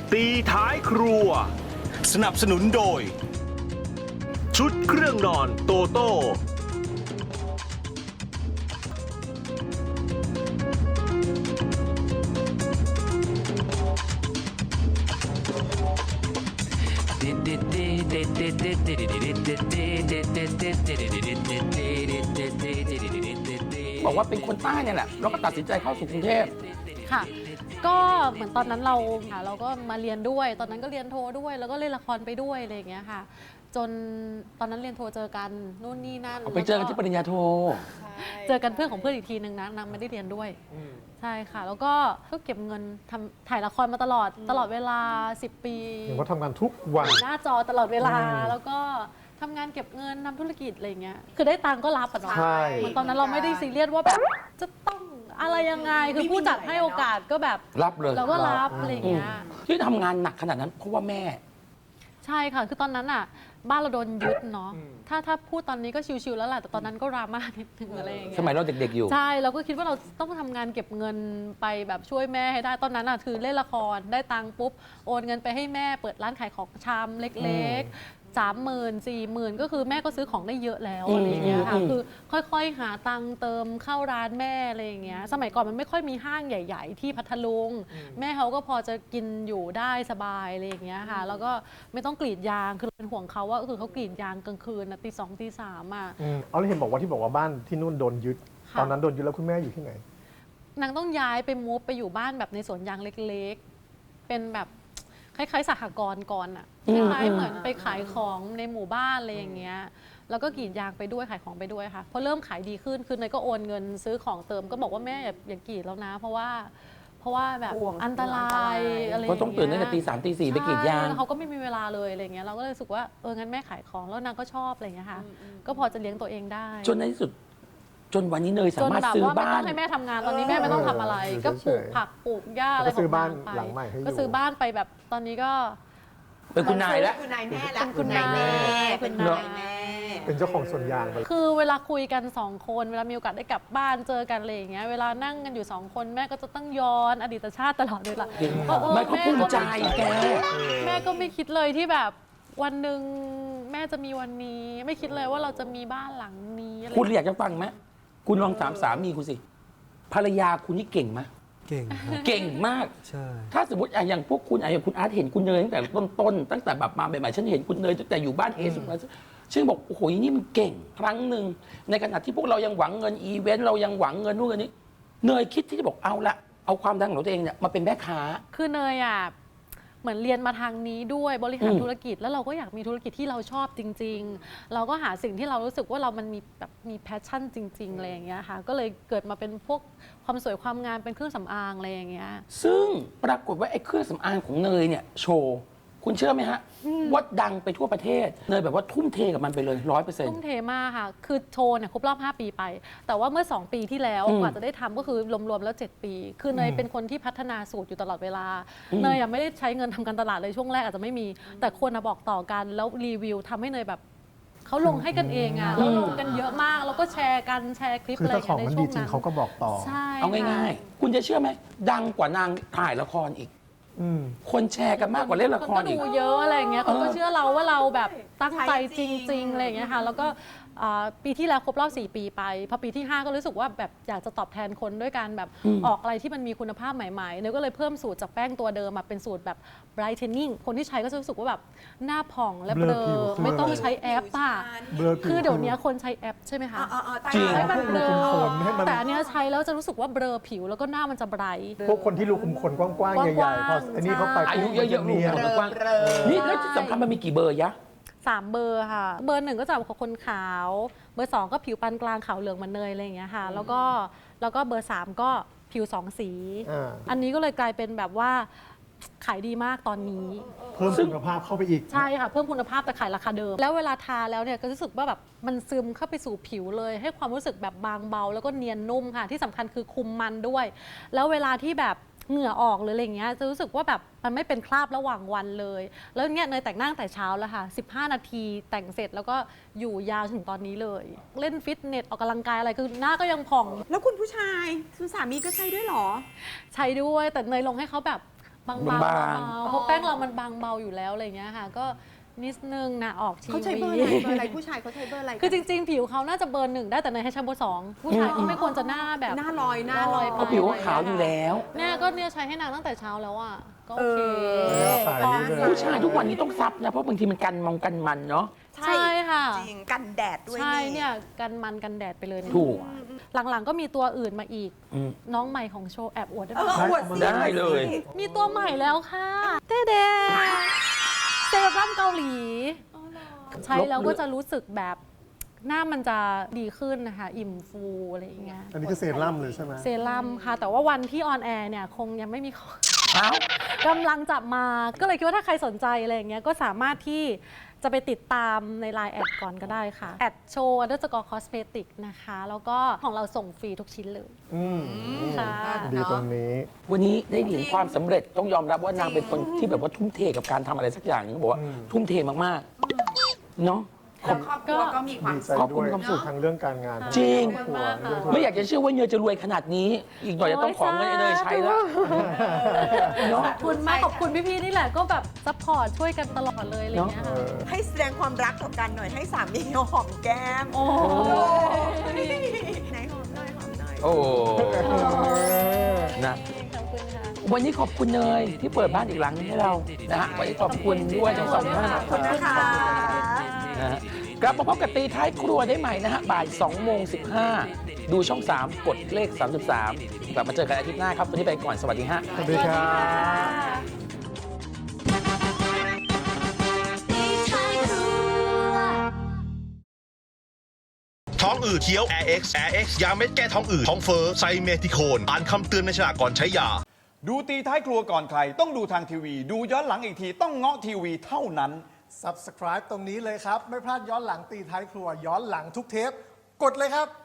ตีท้ายครัวสนับสนุนโดยชุดเครื่องนอนโตโต้บอกว่าเป็นคนใต้เนี่ยแหละแล้วก็ตัดสินใจเข้าสู่กรุงเทพค่ะ ก็เหมือนตอนนั้นเราก็มาเรียนด้วย ตอนนั้นก็เรียนโทด้วย แล้วก็เล่นละครไปด้วยอะไรอย่างเงี้ยค่ะ จนตอนนั้นเรียนโทเจอกันนู่นนี่นั่นไปเจอกันที่ปริญญาโทเจอกันเพื่อนของเพื่อนอีกทีนึงนะนางไม่ได้เรียนด้วยใช่ค่ะ แล้วก็เก็บเงินถ่ายละครมาตลอดเวลา10 ปีเห็นว่าทำงานทุกวันหน้าจอตลอดเวลาแล้วก็ทำงานเก็บเงินทำธุรกิจอะไรเงี้ยคือได้ตังค์ก็รับอะเนาะใช่เหมือนตอนนั้นเราไม่ได้ซีเรียสว่าแบบจะต้องอะไรยังไงคือผู้จัดให้โอกาสก็แบบรับเลยเราก็รับอะไรเงี้ยที่ทำงานหนักขนาดนั้นเพราะว่าแม่ใช่ค่ะคือตอนนั้นอ่ะบ้านเราโดนยึดเนาะถ้าพูดตอนนี้ก็ชิวๆแล้วแหละแต่ตอนนั้นก็ดราม่านิดนึงอะไรอย่างเงี้ยสมัยเราเด็กๆอยู่ใช่เราก็คิดว่าเราต้องทำงานเก็บเงินไปแบบช่วยแม่ให้ได้ตอนนั้นอ่ะคือเล่นละครได้ตังค์ปุ๊บโอนเงินไปให้แม่เปิดร้านขายของชำเล็กๆ30,000 40,000ก็คือแม่ก็ซื้อของได้เยอะแล้วอะไรอย่างเงี้ยค่ะคือค่อยๆหาตังค์เติมเข้าร้านแม่อะไรอย่างเงี้ยสมัยก่อนมันไม่ค่อยมีห้างใหญ่ ๆ ที่พัทลุงแม่เขาก็พอจะกินอยู่ได้สบายอะไรอย่างเงี้ยค่ะแล้วก็ไม่ต้องกรีดยางคือเป็นห่วงเขาว่าคือเขากรีดยางกลางคืนนะตี 2 ตี 3อ่ะเอาเลยเห็นบอกว่าบ้านที่นู่นโดนยึดค่ะตอนนั้นโดนยึดแล้วคุณแม่อยู่ที่ไหนนางต้องย้ายไปมูฟไปอยู่บ้านแบบในสวนยางเล็กๆ เป็นแบบคล้ายๆสหกรณ์ก่อนอะคล้ายๆเหมือนไปขายของในหมู่บ้านอะไรอย่างเงี้ย แล้วก็กรีดยางไปด้วยขายของไปด้วยค่ะ พอเริ่มขายดีขึ้นคือเนยก็โอนเงินซื้อของเติมก็บอกว่าแม่อย่ากรีดแล้วนะ เพราะว่าแบบห่วงอันตรายอะไรอย่างก็เงี้ยต้องตื่นตั้งแต่ตี 3 ตี 4ไปกรีดยางใช่แล้วเขาก็ไม่มีเวลาเลยอะไรเงี้ยเราก็เลยรู้สึกว่างั้นแม่ขายของแล้วนางก็ชอบอะไรเงี้ยค่ะ ก็พอจะเลี้ยงตัวเองได้จนในที่สุด จนวันนี้เนยสาจนมารถแบบซื้อว่าไม่บ้าต้อน งให้แม่ทำงานตอนนี้แม่ไม่ต้องทำอะไรอยู่ก็ปลูกเฉยๆผักปลูกหญ้าอะไรก็ซื้อบ้านขงงไปหลังใหม่ให้อยู่ก็ซื้อบ้านไปแบบตอนนี้ก็เป็นคุณนายแล้วคุณนายแม่ละเป็นคุณนายแม่เป็นคุณคุณนายนายแม่เป็นเจ้าของสวนยางไปคือเวลาคุยกัน2 คนเวลามีโอกาสได้กลับบ้านเจอกันอะไรอย่างเงี้ยเวลานั่งกันอยู่2 คนแม่ก็จะต้องย้อนอดีตชาติตลอดเลยล่ะไม่เขาภูมิใจแกแม่ก็ไม่คิดเลยที่แบบวันหนึ่งแม่จะมีวันนี้ ไม่คิดเลยว่าเราจะมีบ้านหลังนี้อะไรคุณอยากจะฟังไหมคุณลองถามสามีคุณสิ ภรรยาคุณนี่เก่งไหมเก่งครับเก่งมากใช่ถ้าสมมติอย่างพวกคุณอย่างคุณอาร์ตเห็นคุณเนยตั้งแต่ต้นๆตั้งแต่แบบมาใหม่ๆฉันเห็นคุณเนยตั้งแต่อยู่บ้านเอสุดมาฉันบอกโอ้โหนี่มันเก่งครั้งหนึ่งในขณะที่พวกเรายังหวังเงินอีเวนต์เรายังหวังเงินนู่นเงินนี้เนยคิดที่จะบอกเอาละเอาความดังของตัวเองเนี่ยมาเป็นแม่ค้าคือเนยอ่ะเหมือนเรียนมาทางนี้ด้วยบริหารธุรกิจแล้วเราก็อยากมีธุรกิจที่เราชอบจริง ๆ เราก็หาสิ่งที่เรารู้สึกว่าเรามันมีแบบมีแพชชั่นจริงๆอะไรอย่างเงี้ยค่ะก็เลยเกิดมาเป็นพวกความสวยความงามเป็นเครื่องสำอางอะไรอย่างเงี้ยซึ่งปรากฏว่าไอ้เครื่องสำอางของเนยเนี่ยโชว์คุณเชื่อไหมฮะว่าดังไปทั่วประเทศเนยแบบว่าทุ่มเทกับมันไปเลย 100% ทุ่มเทมากค่ะ คือโชว์เนี่ยครบรอบ 5 ปีไป แต่ว่าเมื่อ 2 ปีที่แล้วกว่าจะได้ทำก็คือรวมๆแล้ว 7 ปี คือเนยเป็นคนที่พัฒนาสูตรอยู่ตลอดเวลา เนยยังไม่ได้ใช้เงินทำการตลาดเลยช่วงแรกอาจจะไม่มี แต่คนอะบอกต่อกันแล้วรีวิวทำให้เนยแบบเขาลงให้กันเองอะแล้วลงกันเยอะมากแล้วก็แชร์กันแชร์คลิปคืออะไรอถ้าย่างของเงี้ยในมันช่ดีวงจริงนั้นเขาก็บอกต่อใช่เอาง่ายๆ คุณจะเชื่อไหมดังกว่านางถ่ายละครอีก คนแชร์กันมากกว่าเล่นละคนครก็อีดูกเยอะอะไรอย่างเงี้ยคนก็เออเชื่อเราว่าเราแบบตั้งใจใช่จจริงริงๆอะไรอย่างเงี้ยค่ะแล้วก็ปีที่แล้วครบรอบ4 ปีไปพอปีที่ 5 ก็รู้สึกว่าแบบอยากจะตอบแทนคนด้วยการแบบออกอะไรที่มันมีคุณภาพใหม่ๆเนยก็เลยเพิ่มสูตรจากแป้งตัวเดิมมาเป็นสูตรแบบ brightening คนที่ใช้ก็จะรู้สึกว่าแบบหน้าผ่องและเบลเบลอผิอวขึ้นไม่ต้องใช้แอปอ่ะเบลอผิวคือเดี๋ยวนี้คนใช้แอปใช่ไหมคะจริงให้มันเบลอคนให้มันแต่อันเนี้ยใช้แล้วจะรู้สึกว่าเบลอผิวแล้วก็หน้ามันจะไบรท์พวกคนที่รูขุมขนกว้างๆ ใหญ่ๆ พออันนี้เข้าไปอายุเยอะๆเนียนลูกกว้างนี่แล้วที่สำคัญมันมีกี่เบอร์ยะ 3 เบอร์ค่ะ เบอร์ 1ก็จะของคนขาว เบอร์ 2 ก็ผิวปานกลางขาวเหลืองเหมือนเนยอะไรอย่างเงี้ยค่ะ แล้วก็เบอร์ 3 ก็ผิว 2 สี อันนี้ก็เลยกลายเป็นแบบว่าขายดีมากตอนนี้เพิ่มคุณภาพเข้าไปอีกใช่ค่ะ เพิ่มคุณภาพแต่ขายราคาเดิม แล้วเวลาทาแล้วเนี่ยก็รู้สึกว่าแบบมันซึมเข้าไปสู่ผิวเลย ให้ความรู้สึกแบบบางเบา แล้วก็เนียนนุ่มค่ะ ที่สำคัญคือคุมมันด้วย แล้วเวลาที่แบบเหงื่อออกหรืออะไรเงี้ยจะรู้สึกว่าแบบมันไม่เป็นคราบระหว่างวันเลย แล้วเนี่ยเนยแต่งหน้าตั้งแต่เช้าแล้วค่ะ15 นาทีแต่งเสร็จแล้วก็อยู่ยาวถึงตอนนี้เลย เล่นฟิตเนสออกกำลังกายอะไรคือหน้าก็ยังผ่องแล้วคุณผู้ชายคุณสามีก็ใช้ด้วยเหรอใช้ด้วยแต่เนยลงให้เขาแบบบางบางๆเพราะแป้งเรามันบางเบาอยู่แล้วอะไรเงี้ยค่ะ ก็นิดนึงนะออกทีวีเขาใช้เบอร์อะไรผู้ชายเขาใช้เบอร์อะไรคือจริงๆ ผิวเขาน่าจะเบอร์ 1ได้แต่เนยให้ใช้เบอร์ 2ผู้ชายก็ไม่ควรจะหน้าแบบหน้าลอยไปเพราะผิวเขาขาวอยู่แล้วเนี่ยก็เนี่ยใช้ให้นางตั้งแต่เช้าแล้วอ่ะก็โอเคขายนี่เลยผู้ชายทุกวันนี้ต้องซับนะ เพราะบางทีมันกันกันมันเนาะใช่ใช่ค่ะจริงกันแดดด้วยใช่เนี่ยกันมันกันแดดไปเลยในถูกตัวหลังๆก็มีตัวอื่นมาอีกอืมน้องใหม่ของโชว์แอบอวดได้ไหมอวดสิได้เลยมีตัวใหม่แล้วค่ะเต้เดเซรั่มเกาหลี ใช้แล้วก็จะรู้สึกแบบหน้ามันจะดีขึ้นนะคะ อิ่มฟูอะไรอย่างเงี้ยอันนี้คือเซรั่มเลยใช่ไหมเซรั่มค่ะ แต่ว่าวันที่ออนแอร์เนี่ยคงยังไม่มีของเอ้ากำลังจะมา ก็เลยคิดว่าถ้าใครสนใจอะไรอย่างเงี้ยก็สามารถที่จะไปติดตามใน Line แอดก่อนก็ได้ค่ะแอดโชว์ _ cosmetic นะคะ แล้วก็ของเราส่งฟรีทุกชิ้นเลย ค่ะดีตรงนี้วันนี้ได้เห็นความสำเร็จต้องยอมรับว่านางเป็นคนที่แบบว่าทุ่มเทกับการทำอะไรสักอย่างหนึงบอกว่าทุ่มเทมากๆเนาะแล้วครอบครัวก็มีความดีใจขอบคุด้ณวยความสุขทั้งเรื่องการงานจริงครอบครัวเรื่องธุรไม่กิจอยากจะเชื่อว่าเนยจะรวยขนาดนี้ อีกหน่อยจะต้องขอเงินไอ้เนยใช้แล้วเนาะขอบคุณมากขอบคุณพี่ๆนี่แหละก็แบบซัพพอร์ตช่วยกันตลอดเลยอะไรอย่างเงี้ยเอค่ะอให้แสดงความรักต่อกันหน่อยให้สามีหอมแก้มโอ้ยไหนหอมหน่อยหอมหน่อยโอ้นะขอบคุณค่ะวันนี้ขอบคุณเนยที่เปิดบ้านอีกหลังนึงให้เรานะฮะวันนี้ขอบคุณด้วยทั้งสองท่านขอบคุณนะคะนะฮะกลับมาพบกับตีท้ายครัวได้ใหม่นะฮะบ่าย2:15ดูช่อง 3 กดเลข 33 กลับมาเจอกันอาทิตย์หน้าครับ วันนี้ไปก่อน สวัสดีฮะสวัสดีครับท้องอืดเคี้ยว Air X ยาเม็ดแก้ท้องอืดท้องเฟ้อไซเมทิโคนอ่านคำเตือนในฉลากก่อนใช้ยาดูตีท้ายครัวก่อนใคร ต้องดูทางทีวี ดูย้อนหลังอีกทีต้องเงาะทีวีเท่านั้น Subscribe ตรงนี้เลยครับ ไม่พลาดย้อนหลังตีท้ายครัวย้อนหลังทุกเทป กดเลยครับ